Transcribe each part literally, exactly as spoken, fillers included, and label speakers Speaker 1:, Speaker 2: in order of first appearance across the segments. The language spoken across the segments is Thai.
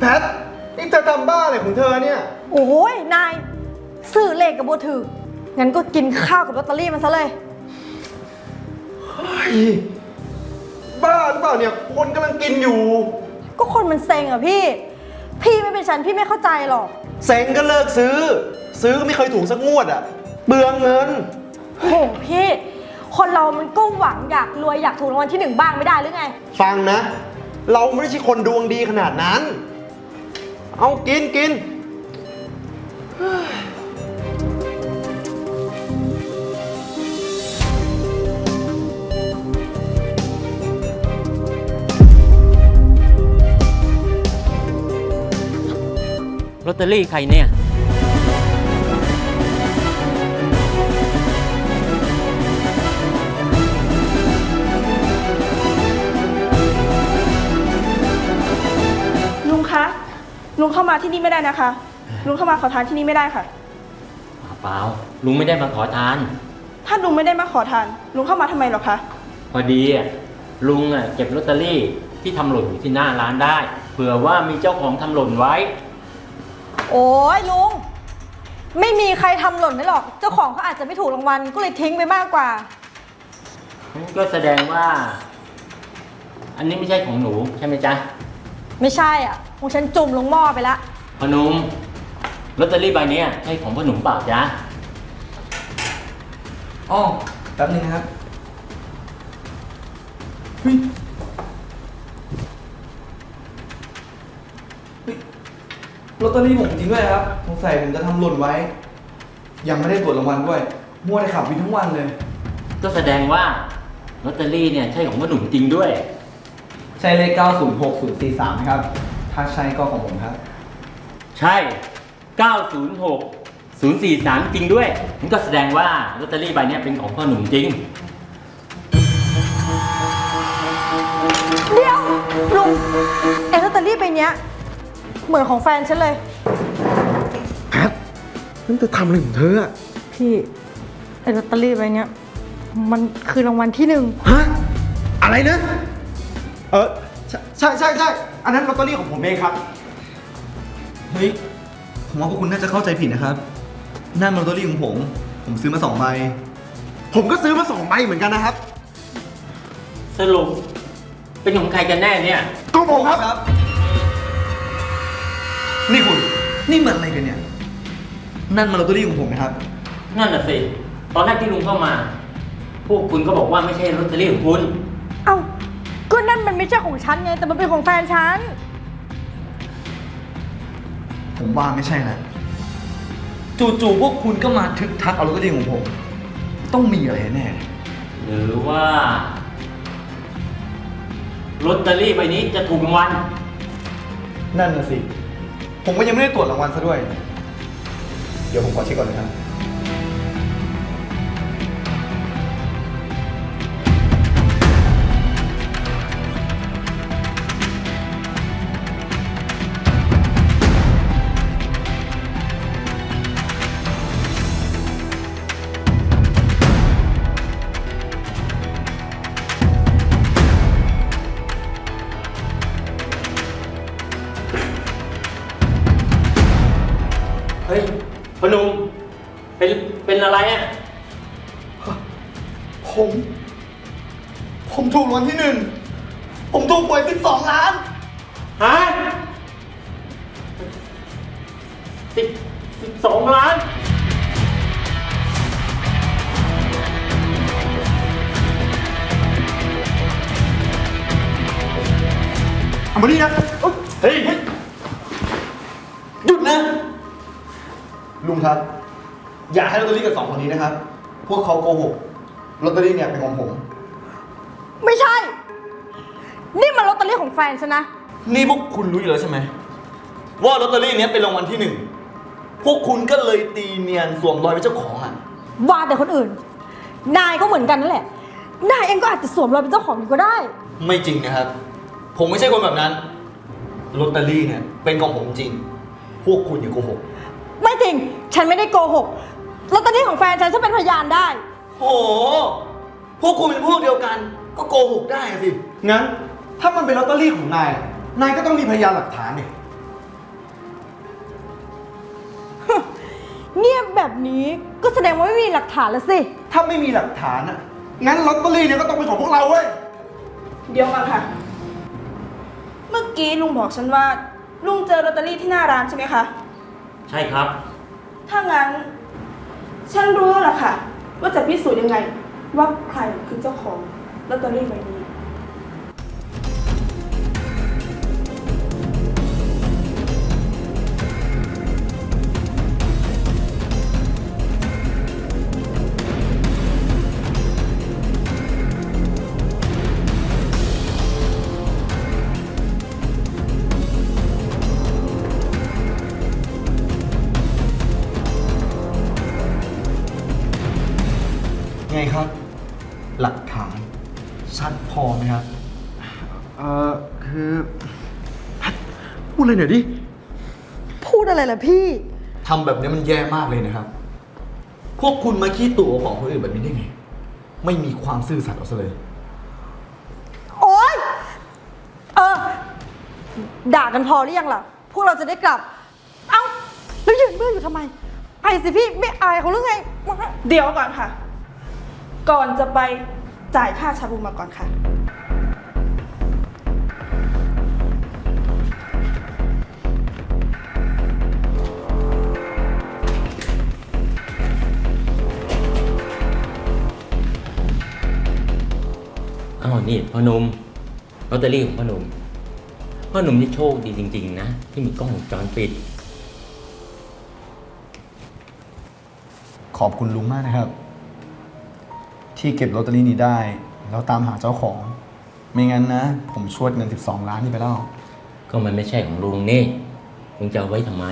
Speaker 1: พทนี่เธอทำบ้าอะไรของเธอเนี่ย
Speaker 2: โอ้ยนายสื่อเลขกับโบถืองั้นก็กินข้าวกับลอตเตอรี่มันซะเลย
Speaker 1: บ้าหรือเปล่าเนี่ยคนกำลังกินอยู่
Speaker 2: ก็คนมันเซ็งอ่ะพี่พี่ไม่เป็นฉันพี่ไม่เข้าใจหรอก
Speaker 1: เซ็งก็เลิกซื้อซื้อก็ไม่เคยถูกสักงวดอ่ะเปลืองเงิน
Speaker 2: โอ้พี่คนเรามันก็หวังอยากรวยอยากถูกรางวัลที่หนึ่งบ้างไม่ได้หรือไง
Speaker 1: ฟังนะเราไม่ใช่คนดวงดีขนาดนั้นเอากินกิน
Speaker 3: ลอตเตอรี่ใครเนี่ย
Speaker 4: ลุงคะลุงเข้ามาที่นี่ไม่ได้นะคะลุงเข้ามาขอทานที่นี่ไม่ได้ค่ะ
Speaker 3: เปล่าลุงไม่ได้มาขอทาน
Speaker 4: ถ้าลุงไม่ได้มาขอทานลุงเข้ามาทำไมหรอคะ
Speaker 3: พอดีอ่ะลุงอ่ะเก็บลอตเตอรี่ที่ทำหล่นอยู่ที่หน้าร้านได้เผื่อว่ามีเจ้าของทำหล่นไว้
Speaker 2: โอ้ยลุงไม่มีใครทำหล่นได้หรอกเจ้าของเขาอาจจะไม่ถูกรางวัลก็เลยทิ้งไปมากกว่า
Speaker 3: ก็แสดงว่าอันนี้ไม่ใช่ของหนูใช่ไหมจ๊ะ
Speaker 2: ไม่ใช่อ่ะของฉันจุ่มลงหม้อไปละ
Speaker 3: พอนุ่มลอตเตอรี่ใบนี้ใช่ของพ่อหนุ่มเปล่าจ๊ะ
Speaker 5: อ๋อแป๊บนึงนะครับเฮ้ยลอตเตอรี่ผมจริงด้วยครับสงสัยผมจะทำหล่นไว้ยังไม่ได้ตรวจรางวัลด้วยมัวแต่ขับวินทั้งวันเลย
Speaker 3: ก็แสดงว่าลอตเตอรี่เนี่ยใช่ของพ่อหนุ่มจริงด้วย
Speaker 5: ใช่เลขเก้าศูนย์หกศูนย์สี่สามนะครับถ้าใช่ก็ของผมครับ
Speaker 3: ใช่เก้าศูนย์หกศูนย์สี่สามจริงด้วยนั่นก็แสดงว่าลอตเตอรี่ใบนี้เป็นของพ่อหนุ่มจริง
Speaker 2: เดี๋ยวลุงไอ้ลอตเตอรี่ใบเนี้ยเหมือนของแฟนฉันเลย
Speaker 1: แพทนั่นเธอทำอะไรของเธออะ
Speaker 2: พี่ไอ้ลอตเตอรี่ใบเนี้ยมันคือรางวัลที่หนึ่ง
Speaker 1: ฮะอะไรนะเออใช่ใช่ใช่ใช่อันนั้นลอตเตอรี่ของผมเองครับ
Speaker 5: เฮ้ยผมว่าพวกคุณน่าจะเข้าใจผิดนะครับนั่นลอตเตอรี่ของผมผมซื้อมาสองใบ
Speaker 1: ผมก็ซื้อมาสองใบเหมือนกันนะครับ
Speaker 3: สรุปเป็นของใครกันแน่เนี่ย
Speaker 1: ก็ผมครับ
Speaker 5: นี่คุณนี่มันอะไรกันเนี่ยนั่นมันลอตเตอรี่ของผมนะครับ
Speaker 3: นั่นน่ะสิตอนแรกที่ลุงเข้ามาพวกคุณก็บอกว่าไม่ใช่ลอตเตอรี่ของคุณ
Speaker 2: เอ้าก็นั่นมันไม่ใช่ของฉันไงแต่มันเป็นของแฟนฉัน
Speaker 5: ผมว่าไม่ใช่นะจู่ๆพวกคุณก็มาทึกทักเอาลอตเตอรี่ของผมต้องมีอะไรแน่
Speaker 3: หรือว่าลอตเตอรี่ใบนี้จะถูกรางวัล
Speaker 5: นั่นน่ะสิผมก็ยังไม่ได้ตรวจรางวัลซะด้วยเดี๋ยวผมขอเช็คก่อนนะครับ
Speaker 3: เฮ้ยพนุ่มเป็นเป็นอะไรอ่ะ
Speaker 5: ผมผมถูกรางวัลที่หนึ่งผมถูกหวยสิบสองล้าน
Speaker 3: ฮะสิบสิบสองล้าน
Speaker 1: เอามาดินะเฮ้ย
Speaker 5: หยุดนะลุงครับอย่าให้ลอตเตอรี่กับสองคนนี้นะครับพวกเขาโกหกลอตเตอรี่เนี่ยเป็นของผม
Speaker 2: ไม่ใช่นี่มันลอตเตอรี่ของแฟนฉันนะ
Speaker 5: นี่พวกคุณรู้อยู่แล้วใช่ไหมว่าลอตเตอรี่นี้เป็นรางวัลที่หนึ่งพวกคุณก็เลยตีเนียนสวมรอยเป็นเจ้าของอ่ะ
Speaker 2: ว่าแต่คนอื่นนายก็เหมือนกันนั่นแหละนายเองก็อาจจะสวมรอยเป็นเจ้าของอยู่ก็ได้
Speaker 5: ไม่จริงนะครับผมไม่ใช่คนแบบนั้นลอตเตอรี่เนี่ยเป็นของผมจริงพวกคุณอย่าโกหก
Speaker 2: ไม่จริงฉันไม่ได้โกหกลอตเตอรี่ของแฟนฉันฉันเป็นพยานได้
Speaker 5: โอ้พวกคุณเป็นพวกเดียวกันก็โกหกได้สิ
Speaker 1: งั้นถ้ามันเป็นลอตเตอรี่ของนายนายก็ต้องมีพยานหลักฐานดิ
Speaker 2: เงียบแบบนี้ก็แสดงว่าไม่มีหลักฐานแล้วสิ
Speaker 1: ถ้าไม่มีหลักฐานอะงั้นลอตเตอรี่เนี่ยก็ต้องเป็นของพวกเราเว้ย
Speaker 4: เดี๋ยวก่อนค่ะ เมื่อกี้ลุงบอกฉันว่า ลุงเจอลอตเตอรี่ที่หน้าร้านใช่ไหมคะ
Speaker 3: ใช่ครับ
Speaker 4: ถ้างั้น ฉันรู้แล้วล่ะค่ะ ว่าจะพิสูจน์ยังไง ว่าใครคือเจ้าของลอตเตอรี่ใบนี้
Speaker 5: ไงครับ หลักฐานชัดพอไหมครับ
Speaker 1: เอ่อ คือพูดเลยหน่อยดิ
Speaker 2: พูดอะไรล่ะพี่
Speaker 5: ทำแบบนี้มันแย่มากเลยนะครับ พวกคุณมาขี้ตั๋วของคนอื่นแบบนี้ได้ไง ไม่มีความซื่อสัตย์เอาซะเลย
Speaker 2: โอ๊ย เออ ด่ากันพอหรือยังล่ะ พวกเราจะได้กลับ เอ้า แล้วยืนเบื่ออยู่ทำไม ไปสิพี่ ไม่อายเขาหรือไงมา
Speaker 4: เดี๋ยวก่อนค่ะ ก่อนจะไปจ่ายค่าชาบูมาก่อนค่ะ
Speaker 3: อ้าวนี่พ่อหนุ่มลอตเตอรี่ของพ่อหนุ่มพ่อหนุ่มนี่โชคดีจริงๆนะที่มีกล้องวงจรปิด
Speaker 5: ขอบคุณลุงมากนะครับ ที่เก็บลอตเตอรี่นี้ได้แล้วตามหาเจ้าของ ไม่งั้นนะ ผมชวดเงินสิบสองล้านนี่ไปแล้ว
Speaker 3: ก็มันไม่ใช่ของลุงนี่ลุงจะเอาไว้ทำไม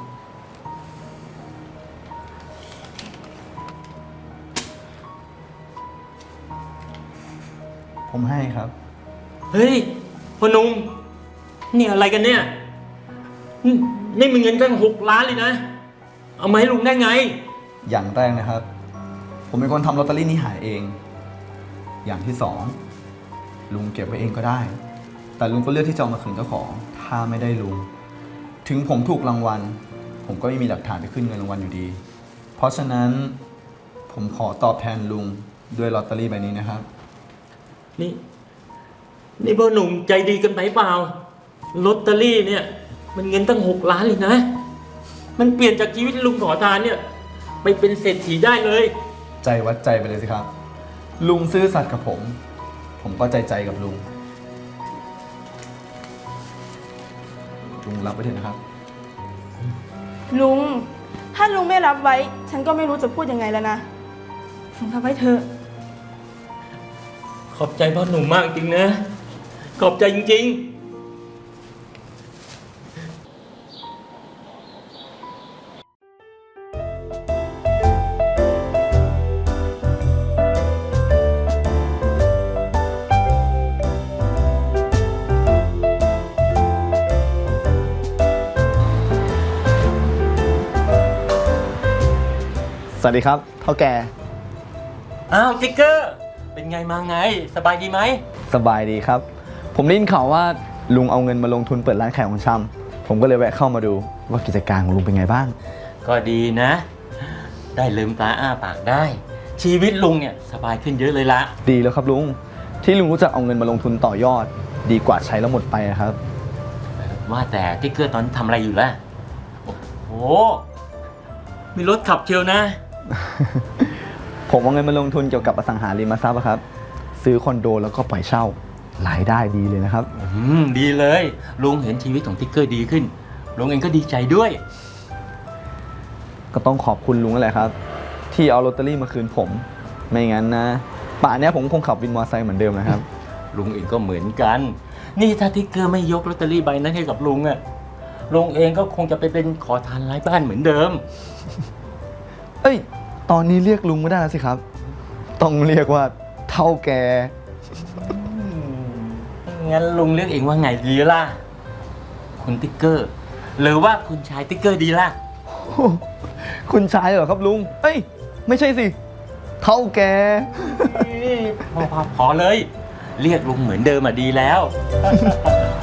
Speaker 5: ผมให้ครับ
Speaker 3: เฮ้ยพ่อหนุ่มนี่อะไรกันเนี่ยนี่นี่มันเงินตั้งหกล้านเลยนะ เอามาให้ลุงได้ไง
Speaker 5: อย่างแรกนะครับ ผมเป็นคนทำลอตเตอรี่นี้หายเอง อย่างที่สองลุงเก็บไว้เองก็ได้ แต่ลุงก็เลือกที่จะเอามาคืนเจ้าของ ถ้าไม่ได้ลุง ถึงผมถูกรางวัล ผมก็ไม่มีหลักฐานไปขึ้นเงินรางวัลอยู่ดี เพราะฉะนั้นผมขอตอบแทนลุงด้วยลอตเตอรี่ใบนี้นะครับ
Speaker 3: นี่ นี่พ่อหนุ่มใจดีกันไปเปล่าลอตเตอรี่เนี่ย มันเงินตั้งหกล้านเลยนะ มันเปลี่ยนจากชีวิตลุงขอทานเนี่ย ไปเป็นเศรษฐีได้เลย
Speaker 5: ใจวัดใจไปเลยสิครับ ลุงซื่อสัตย์กับผม ผมก็ใจใจกับลุง ลุงรับไว้เถอะนะครับ
Speaker 4: ลุง ถ้าลุงไม่รับไว้ ฉันก็ไม่รู้จะพูดยังไงแล้วนะลุงรับไว้เถอะ
Speaker 3: ขอบใจพ่อหนุ่มมากจริงนะ ขอบใจจริงๆ
Speaker 5: สวัสดีครับเท่าแก่
Speaker 3: อ้าวติ๊กเกอร์ เป็นไงมาไง สบายดีไหม
Speaker 5: สบายดีครับ ผมได้ยินข่าวว่าลุงเอาเงินมาลงทุนเปิดร้านขายของชำผมก็เลยแวะเข้ามาดูว่ากิจการของลุงเป็นไงบ้าง
Speaker 3: ก็ดีนะ ได้ลืมตาอ้าปากได้ ชีวิตลุงเนี่ยสบายขึ้นเยอะเลยละ
Speaker 5: ดีแล้วครับลุง ที่ลุงรู้จักเอาเงินมาลงทุนต่อยอด ดีกว่าใช้แล้วหมดไปนะครับ
Speaker 3: ว่าแต่ติ๊กเกอร์ตอนนี้ทำอะไรอยู่ล่ะ โอ้โห มีรถขับเชียวนะ
Speaker 5: ผมเอาเงินมาลงทุนเกี่ยวกับอสังหาริมทรัพย์อะครับ ซื้อคอนโดแล้วก็ปล่อยเช่ารายได้ดีเลยนะครับ
Speaker 3: อืมดีเลย ลุงเห็นชีวิตของติ๊กเกอร์ดีขึ้น ลุงเองก็ดีใจด้วย
Speaker 5: ก็ต้องขอบคุณลุงนั่นแหละครับ ที่เอาลอตเตอรี่มาคืนผม ไม่งั้นนะป่านนี้ผมคงขับวินมอเตอร์ไซค์เหมือนเดิมนะครับ
Speaker 3: ลุงเองก็เหมือนกัน นี่ถ้าติ๊กเกอร์ไม่ยกลอตเตอรี่ใบนั้นให้กับลุงอะลุงเองก็คงจะไปเป็นขอทานไร้บ้านเหมือนเดิม
Speaker 5: เอ้ย ตอนนี้เรียกลุงไม่ได้แล้วสิครับ ต้องเรียกว่าเท่าแก
Speaker 3: งั้นลุงเรียกเองว่าไงดีล่ะ คุณติ๊กเกอร์ หรือว่าคุณชายติ๊กเกอร์ดีล่ะ
Speaker 5: คุณชายเหรอครับลุง เอ้ย ไม่ใช่สิ เท่าแก
Speaker 3: พอพอพอเลย เรียกลุงเหมือนเดิมอ่ะดีแล้ว